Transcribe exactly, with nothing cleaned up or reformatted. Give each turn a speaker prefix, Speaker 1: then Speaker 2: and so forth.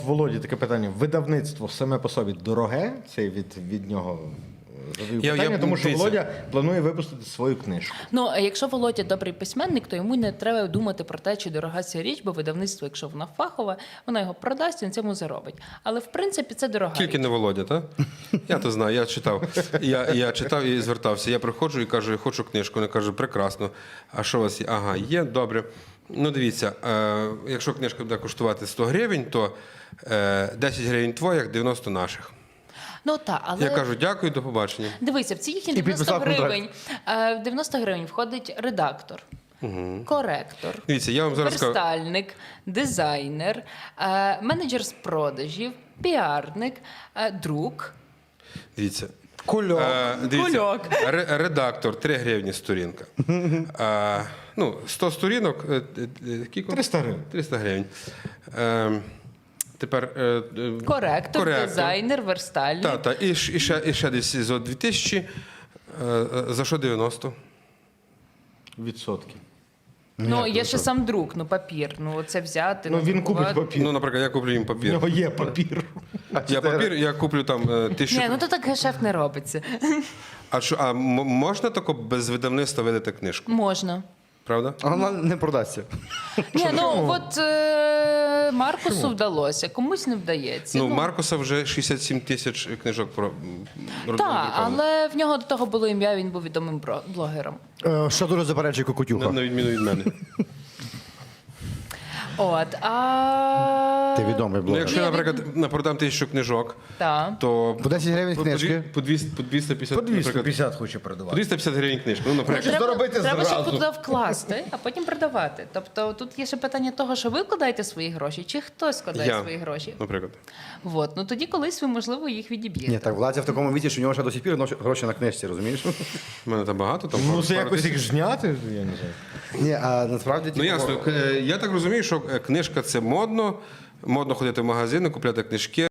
Speaker 1: Володі, таке питання. Видавництво саме по собі дороге? Це від, від нього задаю
Speaker 2: Я-
Speaker 1: питання,
Speaker 2: я-
Speaker 1: тому що
Speaker 2: дивіться.
Speaker 1: Володя планує випустити свою книжку.
Speaker 3: Ну, а якщо Володя добрий письменник, то йому не треба думати про те, чи дорога ця річ, бо видавництво, якщо вона фахова, вона його продасть і на цьому заробить. Але в принципі це дорога
Speaker 2: Тільки
Speaker 3: річ.
Speaker 2: не Володя, так? Я то знаю, я читав. Я, я читав і звертався. Я приходжу і кажу, я хочу книжку. Вони кажуть, прекрасно. А що у вас є? Ага, є, добре. Ну, дивіться, е, якщо книжка буде коштувати сто гривень, то е, десять гривень твоїх, дев'яносто наших.
Speaker 3: Ну так, але
Speaker 2: Я кажу, дякую, до побачення.
Speaker 3: дивися, в ці їхні
Speaker 1: І
Speaker 3: дев'яносто
Speaker 1: підписав контракт.
Speaker 3: гривень, е, в дев'яносто гривень входить редактор, коректор,
Speaker 2: Дивіться, я вам зараз скажу.
Speaker 3: верстальник, дизайнер, е, менеджер з продажів, піарник, е, друк.
Speaker 2: Дивіться.
Speaker 1: Кульок.
Speaker 2: Е, дивіться,
Speaker 3: Кульок.
Speaker 2: ре- редактор три гривні сторінка. Е, ну, сто сторінок. е, е, е, кілько?
Speaker 1: триста гривень.
Speaker 2: триста гривень. Е, тепер е, е,
Speaker 3: Коректор, дизайнер, верстальник.
Speaker 2: Так, так. І, ш- і, ще, і ще десь за дві тисячі. Е, е, за що дев'яносто?
Speaker 1: Відсотки.
Speaker 3: Ну, є ще сам друк, ну папір. Ну, це взяти.
Speaker 1: Ну, він купить
Speaker 3: надрукувати.
Speaker 1: папір.
Speaker 2: Ну, наприклад, я куплю їм
Speaker 1: В
Speaker 2: папір.
Speaker 1: нього є папір.
Speaker 2: Я папір, я куплю там е, тисячу.
Speaker 3: Ні, ну то так гешефт не робиться.
Speaker 2: А, що, а м- можна тако без видавництва видати книжку?
Speaker 3: Можна.
Speaker 2: Правда?
Speaker 4: А вона не продасться.
Speaker 3: Ні, ну от е, Маркусу вдалося, комусь не вдається.
Speaker 2: Ну, Маркуса вже шістдесят сім тисяч книжок про
Speaker 3: Так, але в нього до того було ім'я, він був відомим бро- блогером.
Speaker 4: Е, Що дуже заперечує
Speaker 2: на,
Speaker 4: Кокотюха.
Speaker 2: на відміну від мене.
Speaker 3: От, а...
Speaker 4: Ти відомий
Speaker 2: Ну,
Speaker 4: блогер.
Speaker 2: якщо я, наприклад, на- продам тисячу книжок,
Speaker 3: Так.
Speaker 2: то
Speaker 4: По десять гривень
Speaker 2: по,
Speaker 4: книжки.
Speaker 2: по, двісті, по двісті п'ятдесят,
Speaker 1: По двісті
Speaker 2: наприклад,
Speaker 1: п'ятдесят хоче
Speaker 2: по
Speaker 1: продавати.
Speaker 2: двісті п'ятдесят гривень книжку. Ну, наприклад,
Speaker 1: Треба робити
Speaker 3: треба ще
Speaker 1: зразу.
Speaker 3: туди вкласти, а потім продавати. Тобто тут є ще питання того, що ви вкладаєте свої гроші, чи хтось складає
Speaker 2: я,
Speaker 3: свої гроші.
Speaker 2: наприклад.
Speaker 3: От, ну тоді колись ви, можливо, їх відіб'єте.
Speaker 4: Ні, так Владя в такому віці, що у нього ще до сих пір нош- гроші на книжці, розумієш?
Speaker 2: У мене там багато. Там
Speaker 1: Ну,
Speaker 2: пару-
Speaker 1: це
Speaker 2: пару
Speaker 1: якось
Speaker 2: тисяч.
Speaker 1: їх зняти, я не знаю.
Speaker 4: Ні, а насправді
Speaker 2: Ну
Speaker 4: типу,
Speaker 2: ясно, Е, я так розумію, що е, книжка це модно, модно ходити в магазини, купляти книжки.